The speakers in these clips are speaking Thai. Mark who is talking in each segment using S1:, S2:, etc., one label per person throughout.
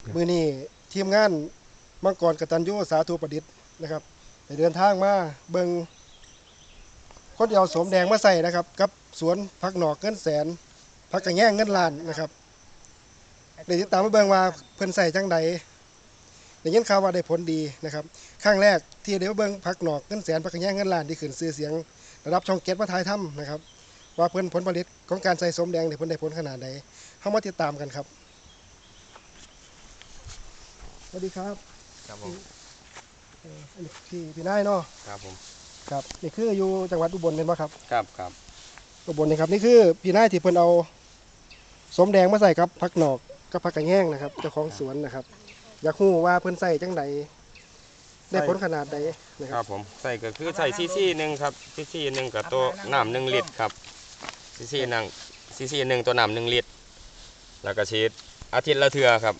S1: มื้อนี้ทีมงานมังกรกตัญญูสาธุประดิษฐ์นะครับได้เดินทางมาเบิ่งคนที่เอาสมแดงมาใส่นะครับกับสวนผักหนอกเงินแสนผักกระแยงเงินล้านนะครับได้ติดตามมาเบิ่งว่าเพิ่นใส่จังใดได้ยินข่าวว่าได้ผลดีนะครับครั้งแรกที่ได้มาเบิ่งผักหนอกเงินแสนผักกระแยงเงินล้านที่ขึ้นชื่อเสียงระดับช่อง7มาถ่ายทำนะครับว่าเพิ่นผลผลิตของการใส่สมแดงเนี่ยเพิ่นได้ผลขนาดใดเฮามาติดตามกันครับสวัสดีครับ
S2: ครับผม
S1: อันนี้พี่นายเนาะ
S2: ครับผม
S1: ครับนี่คืออยู่จังหวัดอุบลเป็นปะครับ
S2: ครับครับ
S1: อุบลนะครับนี่คือพี่นายที่เพิ่นเอาสมแดงมาใส่ครับผักหนอกกับผักกระแยงนะครับเจ้าของสวนนะครับ อยากรู้ว่าเพิ่นใส่จังใดได้ผลขนาดใดนะค
S2: ครั
S1: รั
S2: บบ ผมใส่ก็คือใส่ซีหนึ่งครับซีหนึ่งกับตัวน้ำ1 ลิตรครับซีหนึ่งตัวน้ำ1 ลิตรแล้วก็ฉีดอาทิตย์ละเทื่อครับ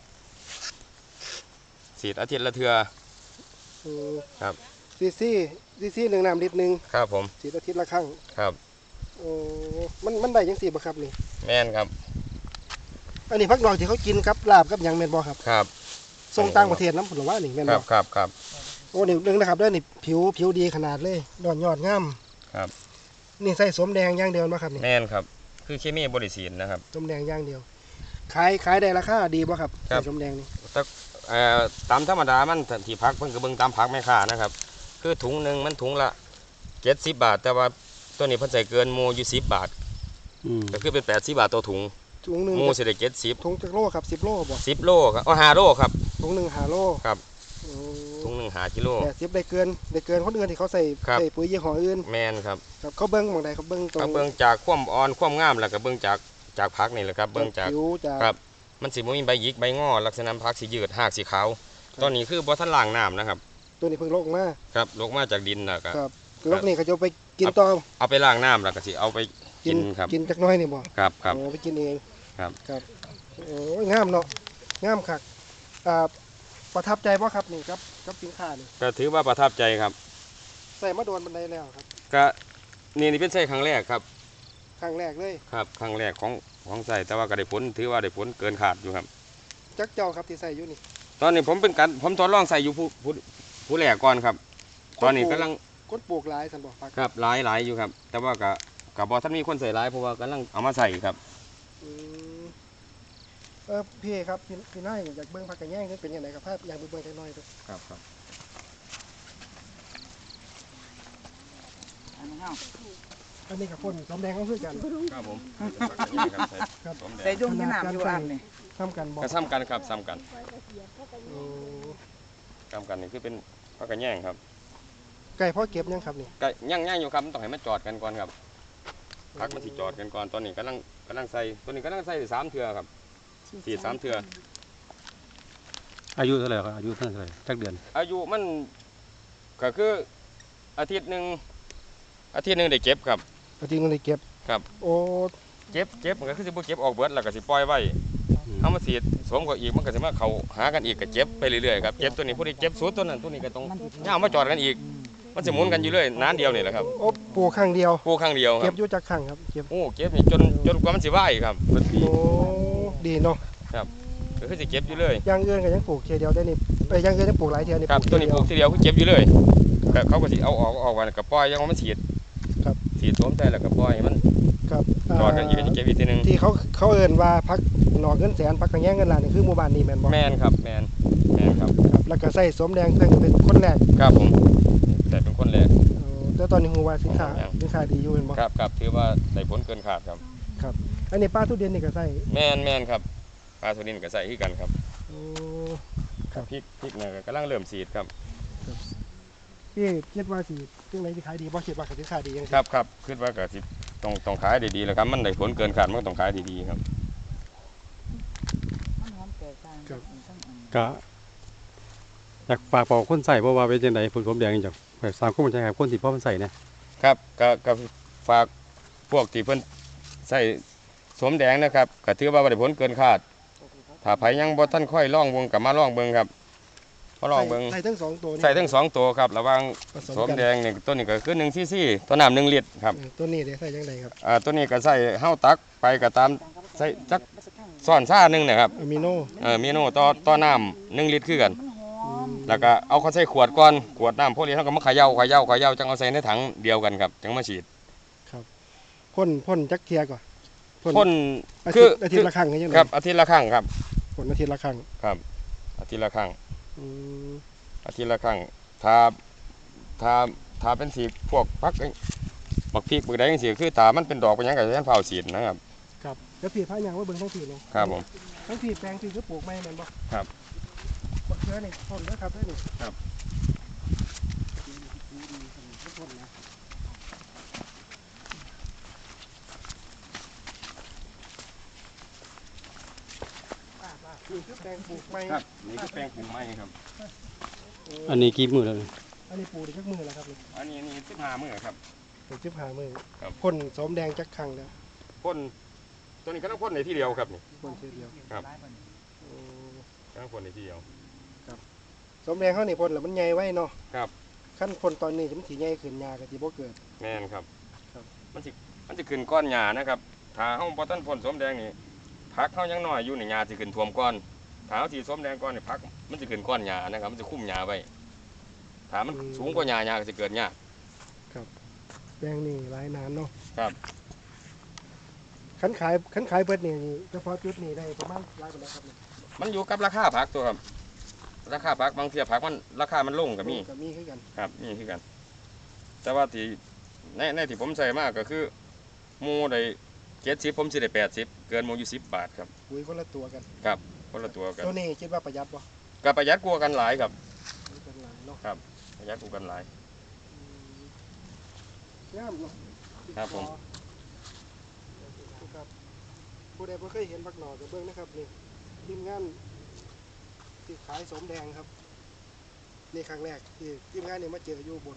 S2: ฉีดอาทิตย์ละเทื่อ
S1: อืม
S2: ครับ
S1: ซีหนึ่งน้ำลิตรหนึ่ง
S2: ครับผม
S1: สีอาทิตย์ละครั้ง
S2: ครับ
S1: โอ้มันได้จังสี่บ่ครับนี่
S2: แม่นครับ
S1: อันนี้ผักหนอกที่เขากินกับลาบกับหยังแม่นบ่ครับ
S2: ครับ
S1: ส่งต่างประเทศน้ำผลว่านี่แม่น
S2: ครั
S1: บ่
S2: บครับครับ
S1: โอ้นี่เรื่องนะครับเด้อนี่ผิวดีขนาดเลยยอดงาม
S2: ครับ
S1: นี่ใส่สมแดงอย่างเดียวบ่ครับนี่
S2: แม่นครับคือเคมีบริสีนะครับ
S1: สมแดงอย่างเดียวขายได้ราคาดีป่ะครับ
S2: ครับ
S1: สมแดงนี่
S2: ตามธรรมดามันที่พักเพิ่นก็เบิ่งตามพักแม่ค้านะครับคือถุงหนึ่งมันถุงละ70 บาท แต่ว่าตัวนี้เพิ่นใส่เกินหมูอยู่10 บาทก็คือเป็น80 บาทต่อถุง
S1: ถุงหนึ่ง
S2: หมูสิได้70
S1: ถุงจักโลครับ10 โลบ่
S2: 10 โลครับ5 โลครับ
S1: ถุงหนึ่ง5 โล
S2: ครับ
S1: โอ้
S2: ถุงหนึ่ง5 กิโล
S1: 80ได้เกินคนอื่นที่เขาใส่
S2: ครับ
S1: ใส่ปุ๋ยยี่ห้ออื่น
S2: แมนครับ
S1: ครับเขาเบิ่งหม่องใดเขาเบิ่งตรง
S2: ก็เบิ่งจากความอ่อนความงามแล้วก็เบิ่งจากผักนี่แหละครับเบิ่งจาก
S1: ผิวจาก
S2: ครับ มันสิบ่มีใบหยิกใบงอลักษณะผักสิยืดหากสีขาวตอนนี้คือบ่ทันล้างน้ำนะครับ
S1: ตัวนี้เพิ่งลกมา
S2: ครับลงมาจากดินแล้วก็
S1: ครับลกนี่เขาจะเอาไปกินต่อ
S2: เอาไปล้างน้ำแล้วก็สิเอาไปกินครับ
S1: กินจักหน้อยนี่บ่
S2: ครับครับ
S1: โอ้ไปกินเอง
S2: ครับ
S1: ครับโอ้ยงามเนาะงามคักประทับใจบ่ครับนี่กับสินค้านี่
S2: ก็ถือว่าประทับใจครับ
S1: ใส่มาโดนบันไดแล้วครับ
S2: ก็นี่เป็นใช้ครั้งแรกครับ
S1: ครั้งแรกเลย
S2: ครับครั้งแรกของใส่แต่ว่าก็ได้ผลถือว่าได้ผลเกินขาดอยู่ครับ
S1: จักเจ้าครับที่ใส่อยู่นี่
S2: ตอนนี้ผมทดลองใส่อยู่ผู้แรกก่อนครับ ตอนนี้กำลัง
S1: คนปลูกหลายสันบอกฟัก
S2: ครับหลายอยู่ครับ แต่ว่ากับบอท่านมีคนใส่หลายเพราะว่ากำลังเอามาใส่ครับ
S1: อืมพี่ครับพี่น้อยอยากเบิ้งผักกระแยงนี่เป็นยังไงครับภาพอยากไปเบิ้งจักหน้อยดู
S2: ครับครับ
S1: อันนี้กับพ่นสมแดงเขาคือกัน
S2: ครับผม
S1: ครับ
S3: ใส่ดุ้งที่น้ำอยู่อ่างนี่
S1: ทำกันบอก
S2: ก็ซ้ำกันครับซ้ำกัน
S1: โอ้
S2: ซ้ำกันนี่คือเป็นพักกันแย่งครับ
S1: ไก่พ่อเก็บยังครับนี่
S2: ก็ย่างอยู่ครับมันต้องให้มันจอดกันก่อนครับพักมันสิจอดกันก่อนตอนนี้กำลังใส่ตัวนี้กำลังใส่3 เทื่อครับสีด3 เทื่อ
S4: อายุเท่าไหร่ครับอายุเท่าไหร่จักเดือน
S2: อายุมันก็คืออาทิตย์หนึ่งได้เก็บครับ
S1: เอาจริงเลยเก็บ
S2: ครับ
S1: โอ้
S2: เก็บมันก็คือสิบ่เก็บออกเบิดแล้วก็สิปล่อยไว้เอามาสีดสวมก็อีกมันก็สิมาเข้าหากันอีกก็เก็บไปเรื่อยๆครับเก็บตัวนี้ผู้ที่เก็บสุดตัวนั้นตัวนี้ก็ต้องย่ามาจอดกันอีก มันสิหมุนกันอยู่เรื่อยนานเดียวนี่แหละครับ
S1: โอ้ปลูกครั้งเดียว
S2: ปลูกครั้งเดียวค
S1: เก็
S2: รั
S1: บบ อยู่จากครั้งครับเก็บ
S2: โอ้เก็บนี่จนกว่ามันสิไหวครับมันปี
S1: โอ้ดีเนาะ
S2: ก็คือสิเก็บอยู่เลย
S1: อย่างอื่นก็ยังปลูกเทียเดียวได้นี่อย่างอื่นยังปลูกหลายเทียนี่
S2: ครับ
S1: ปลูก
S2: ตัวนี้ปลูกทีเดียวคือเก็บอยู่เลยก็เขาก็สิเอาออกวันก็ปล่อยยังว่ามันสีด
S1: ครับ
S2: สีดสวมใจแล้วก็ปล่อยให้มัน
S1: ครับ
S2: จอดกันอีกก็สิเก็บอีกทีหนึง
S1: ที่เขาเอิ้นว่าพักหนอกเงินแสนพักกระแยงเงินล้านนี่คือหมู่บ้านนี้แม่นบ่
S2: แมนครับแมนครับ
S1: ครับแล้วก็ใส่สมแดงเพิ่งเป็นคนแรก
S2: ครับผมแต่เป็นคนแรก
S1: แต่ตอนนี้ฮู้ว่าสินค้า
S2: ครับ
S1: สินค้าดีอยู่แม่นบ่
S2: ครับถือว่าได้ผลเกินขาดครับ
S1: ครับอันนี้ป้าทุเรียนนี่ก็ใส่
S2: แมนครับปลาสุรินทร์ก็ใส่ที่กันครับ
S1: โอ้
S2: พริกเนี่ยก็กำลังเริ่มสีดครับ
S1: พี่คิดว่าสิจังไดสิขายดีบ่คิดว่าสิขายดีจังซี่
S2: ครับคิดว่าก็สิต้องขายได้ดีแล้วครับมันได้ผลเกินขาดมันก็ต้องขายดีๆครับ
S3: มันหอมแตกต่างกันทั้งอัน
S4: ก็อยากฝากบอกคนใส่เพราะว่าเป็นจังไดผลผมแดงจากแบบสร้างความมั่นใจให้คนที่พ่อมันใส่เนี่ย
S2: ครับก็ฝากพวกที่เพิ่นใส่สวมแดงนะครับก็ถือว่าได้ผลเกินคาดถ้าไผยังบ่ทันค่อยลองเบิ่งก็มาลองเบิ่งครับมาลองเบิ่ง
S1: ใส่ทั้งสองตัวนี่
S2: ใส่ทั้ง2 ตัวครับระหว่าง
S1: ผส
S2: สวม
S1: กัน
S2: แดงนี่ตัวนี้ก็คือ1 cc ตัวน้ำ1 ลิตรครับ
S1: ตัวนี้เดี๋ยวใส่จังไดครับ
S2: ตัวนี้ก็ใส่เฮาตักไปก็ตามใส่จักซ่อนซ่าหนึงนะครับ
S1: อะมิโน
S2: เมนูต่อน้ำ1 ลิตรคือกัน
S3: มันหอม
S2: แล้วก็เอาเข้าใส่ขวดก่อนขวดน้ำพวกนี้เขาก็มาเขย่าจังเอาใส่ในถังเดียวกันครับจังมาฉีด
S1: พ่นจักเทียก่อน
S2: พ่น
S1: อา
S2: คื
S1: ทิ
S2: อ
S1: ตย์อาทิตย์ละครั้งใช่ไหม
S2: ครับอาทิตย์ละครั้งครับ
S1: พ่นอาทิตย์ละครั้ง
S2: ครับอาทิตย์ละครั้ง
S1: อืม
S2: อาทิตย์ละครั้งถ้าถ้าเป็นสีพวกพักบักพริกบักใดจังซี่คือถ้ามันเป็นดอกเป็นหยังก็จะเผาฉีดนะครับ
S1: ครับแล้วผีพายางว่าเบิ่งทั้งผีเลย
S2: ครับผม
S1: ทั้งผีแปลงผีก็ปลูกไม้แม่นบ่
S2: ครับ
S1: บักเขือนี่พ่นเด้อครับเด้อนี่
S2: ครับ
S1: พ่นนะนี่คือแปลงปลูกไม้
S2: ครับนี่คือแปลงปลูกไม้ครับ
S4: อันนี้กี่มื้อแล้วนี่
S1: อันนี้ปลูกได้จักมือแล้วครับนี่
S2: อันนี้15 มื้อครับ
S1: ปลูก15มื้อ
S2: ครับ
S1: พ่นสมแดงจักครั้งแล้ว
S2: พ่นตัวนี้ก็ต้องพ่นในที่เดียวครับนี่
S1: พ่นทีเดียว
S2: ครับ
S1: อืม
S2: ต้องพ่นในที่เดียว
S1: สมแดงเขานี่พ่นแล้วมันใหญ่ไว้เนาะ
S2: ครับ
S1: ขั้นพ่นตอนนี้มันสิใหญ่ขึ้นยาก็สิบ่เกิด
S2: แม่นครับ
S1: ครับ
S2: มันจะขึ้นก้อนหญ้านะครับถ้าเฮาบ่ทันพ่นสมแดงนี่ผักเฮายังน้อยอยู่นี่หญ้าสิขึ้นท่วมก้อนถ้าเฮาสิสมแดงก้อนนี่ผักมันจะขึ้นก้อนหญ้านะครับมันจะคุ้มหญ้าไว้ถ้ามันสูงกว่าหญ้าก็สิเกิดหญ้า
S1: แปลงนี่หลายนานเนาะ
S2: ครับ
S1: ขันขายเบิดนี่เฉพาะจุดนี้ได้ประมาณหลายปานใดครับเนี่ย
S2: มันอยู่กับราคาผักตัวครับ ราคาผักบางเทีผักมันราคามันลงก็มี
S1: ก็มีคือกัน
S2: ครับมีคือกัน แต่ว่าที่ในที่ผมใส่มากก็คือหมูได้70ผมสิได้80เกินหมูอยู่10 บาทครับ
S1: ปุ๋ยคนละตัวกัน
S2: คนละตัวกัน
S1: ตัวนี้คิดว่าประหยัดบ่
S2: ก็ประหยัดกว่ากันหลายครับ
S1: เป็นหลายเนาะ
S2: ประหยัดกว่ากันหลาย
S1: งามเนาะ
S2: ครับผม
S1: ครับผู้ใดบ่เคยเห็นบักหน่อก็เบิ่งนะครับนี่ทีมงานที่ขายสมแดงครับนี่ครั้งแรกที่ทีมงานนี่มาเจออยู่บน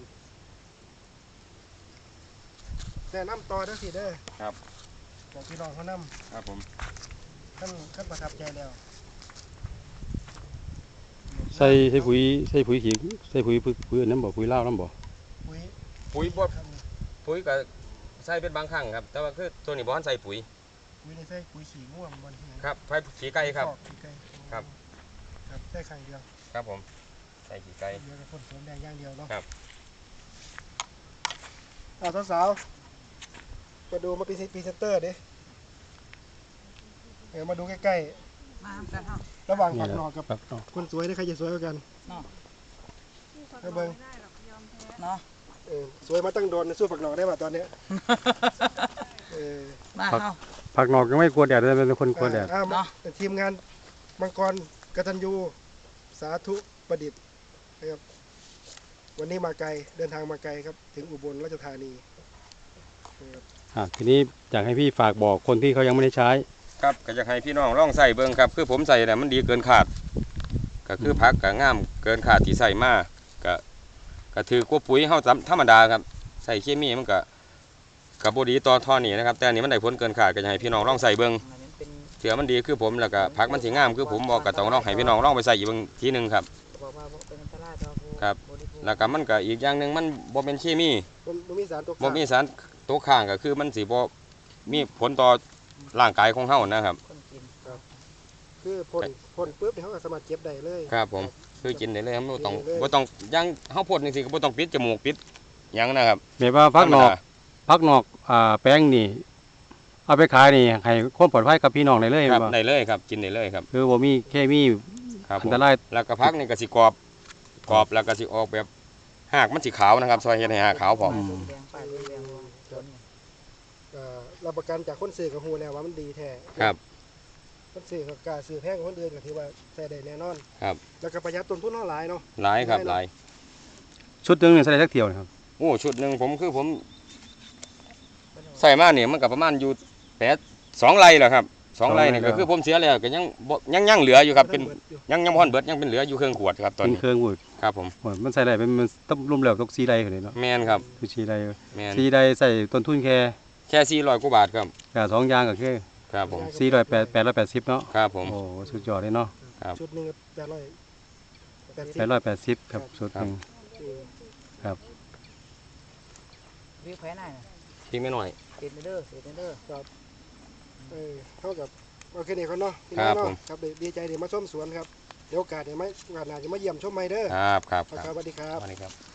S1: แต่น้ำต่อเด้อสิเด้อ
S2: ครับ
S1: บอกพี่น้องเขานำ
S2: ครับผม
S1: ขั้นประทับใจแล้ว
S4: ใส่ปุ๋ยขี้ใส่ปุ๋ยอันนั้นบ่ปุ๋ยลาวนํบ่
S1: ปุ๋ย
S2: ปุ๋ยบ่
S1: ครับ
S2: ปุ๋ยก็ใส่เป็นบางครั้งครับ แต่ว่าคือตัวนี้บ่ทันใส่ปุ๋ย
S1: ปุ๋ยนี่ใส่ปุ๋ยขี้ง่วงบนที่ไหน
S2: ครับไฟขี้ไก่ครับ
S1: ขี้ไก่
S2: ครับ
S1: ครับใส่ครั้งเดียว
S2: ครับผมใส่ขี้ไก่
S1: เดียวกับพ่นสมแดงอย่างเดียวเนาะ
S2: ครับ
S1: สาวๆมาดูมาเป็นพรีเซนเตอร์ดิมาดูใกล้
S3: มาทำกันเฮา
S1: ๆระหว่าง
S4: นี่
S1: ผัก
S4: แหละ
S1: หน่อกับ
S4: ครับเนาะ
S1: คนสวยนี่ใครจะสวยกว่ากัน
S3: เนาะ
S1: ให้เบิ่ง
S3: เนาะ
S1: สวยมาตั้งโดนสู้ผักหน่อได้ป่ะตอนเนี้ยเออ
S3: มาเฮา
S4: ผักนอกยังไม่กลัวแดดเลยเป็นคนกลัวแดด
S3: เนาะ
S1: ทีมงานมังกรกตัญญูสาธุประดิษฐ์นะครับวันนี้มาไกลเดินทางมาไกลครับ ถึงอุบลราชธานีนะครับ
S4: ทีนี้อยากให้พี่ฝากบอกคนที่เขายังไม่ได้ใช้
S2: ครับก็อยากให้พี่น้องลองใส่เบิ่งครับ คือผมใส่เนี่ยมันดีเกินขาด ก็คือผักก็งามเกินขาดที่ใส่มาก็ถือกว่าปุ๋ยเฮาธรรมดาครับใส่เคมีมันก็บ่ดีต่อท่อนี้นะครับ แต่อันนี้มันได้ผลเกินขาดก็อยากให้พี่น้องลองใส่เบิ่ง
S3: อันนี้เป็น
S2: เถื่อมันดีคือผมแล้วก็ผักมันสิงามคือผมบอกก็ต้องลองให้พี่น้องลองไปใส่อีกเบิ่งทีหนึงครับ
S3: บอกว่าเป็นอันตรายต่อผู้
S2: ครับ
S3: บริโภค
S2: แล้วก็มันก็อีกอย่างหนึงมันบ่เป็นเคมี
S1: บ่มีสารตก
S2: บ่มีสารตกค้างก็คือมันสิบ่มีผลต่อร่างกายของเฮานะครับ
S3: คนกิน
S1: คือพ่นปุ๊บเดี๋ยวเขาก็สามารถเก็บได้เลย
S2: ครับผมคือกินได้เลยครับบ่ต้อง
S1: กินได้เลย
S2: บ่ต้องย่างเฮาพ่นจังซี่ก็บ่ต้องปิดจมูกปิดหยังนะครับ
S4: แบบว่าผักนอก
S2: ธรรมดา
S4: ผักนอกแป้งนี่เอาไปขายนี่ให้ความปลอดภัยกับพี่น้องได้เลย
S2: ครับ
S4: บ่
S2: ได้เลยครับกินได้เลยครับ
S4: คือบ่มีเคมี
S2: ครับ
S4: อั
S2: ผม
S4: นตราย
S2: แล้วก็ผักนี่ก็สิกรอบแล้วก็สิออกแบบหากมันสิขาวนะครับซอยเฮ็ดให้หากขาวพร้อม
S3: ป้ายแดงป้ายแดงว่าต้นเนี่ย
S1: รับประกันจากคนซื้อกับฮูแล้วว่ามันดีแท้
S2: ครับ
S1: คนซื้อกับกล้าซื้อแพงกว่าคนอื่นก็ถือว่าใส่ได้แน่นอน
S2: ครับ
S1: แล้วก็ประหยัดต้นทุนเท่าหลายเนาะ
S2: หลายครับหลาย
S4: ชุดหนึงนี่ใส่ได้สักเที่ยวนะครับ
S2: โอ้ชุดหนึงผมใส่มาเนี่ยมันก็ประมาณอยู่2 ไร่แหละครับ2 ไร่นี่ก็คือผมเสียแล้วก็ยังบ่ยังเหลืออยู่ครับเป็น
S1: บิดอยู่
S2: ยังบ่ทันเบิดยังเป็นเหลืออยู่เครื่องขวดครับตอน
S4: เป็น
S2: นี้
S4: เครื่องวุด
S2: ครับผม
S4: โอ้ยมันใส่ได้เป็นมันต้องรวมแล้วตก4ไร่ขึ้นเลยเนาะ
S2: แม่นครับ
S4: คือ4ไร่
S2: แม่น
S4: 4ไร่ใส่ต้นทุนแค่
S2: แค่400กว่าบาทครับ
S4: สองอย่างก็คือ
S2: ครับผม
S4: 880เนาะ
S2: ครับผม
S4: โอ้สุดยอดเลยเนาะ
S2: ครับ
S1: ชุดหนึง880
S4: 880ครับชุดหนึง
S3: วิวแขวนหน่อย
S2: ที่ไม่น้อย
S3: เศษเด้อ
S1: เท่ากับโอเคนี่เขาเนาะพี่
S2: ค
S1: น้
S2: รั
S1: อบ ง
S2: ผ
S1: เนาะ
S2: ม
S1: ครับดีใจเดี๋ยวมาชมสวนครับเดี๋ยวโอกาสเดี๋ยวไม่โอกาสหน้าจะมาเยี่ยมชมใหม่เด้อ
S2: ครับครับ
S1: ครับสวัสดีครับ
S2: สวัสดีครับ